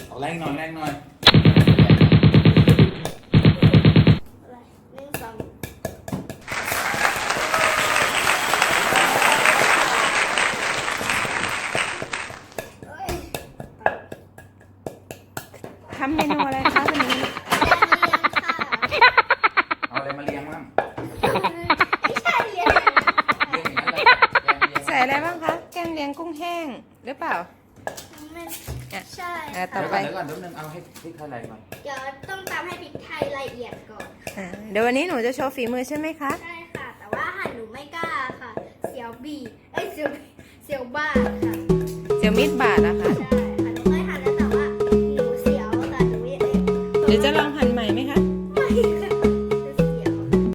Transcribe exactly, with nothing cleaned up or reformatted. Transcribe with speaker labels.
Speaker 1: ออกแรงหน่อยแรงหน่อย
Speaker 2: หนึ่งสอง
Speaker 3: ทำเมนูอะไรคะวันนี้
Speaker 1: เอาอะไรมาเลี้ยงบ้าง
Speaker 2: ไม่ใช่เรียน
Speaker 1: เลี้ยงอย่างนั้นเลยแกงเลี้ยง
Speaker 3: ใส่อะไรบ้างคะ แกงเลียงกุ้งแห้งหรือเปล่า
Speaker 2: ไม่ใช่
Speaker 3: อ่ะต่
Speaker 1: เดี๋
Speaker 3: อ
Speaker 1: ยว
Speaker 3: ไป
Speaker 1: ก่อนเดี๋ยวก่อนเดี๋ยวนึงเอาให้พริกไทยอะไรก่อน
Speaker 2: เดี๋ยวต้องตำให้พริกไทยละเอียดก่อน
Speaker 3: อ่าเดี๋ยววันนี้หนูจะโชว์ฝีมือใช่ไหมคะ
Speaker 2: ใช่ค่ะ แต่ว่าหั่นหนูไม่กล้าค่ะ เสียวบีเอ้ยเสียวเสียวบ้าค่ะ
Speaker 3: เจียวมีดบาดนะคะ
Speaker 2: ใช่ค่ะหนูเคยหั่นแล้วแต่ว่าหนูเสียวแต่หนูไม่เอ้ย
Speaker 3: เดี๋ยวจะลองหั่นใหม่ไหมคะ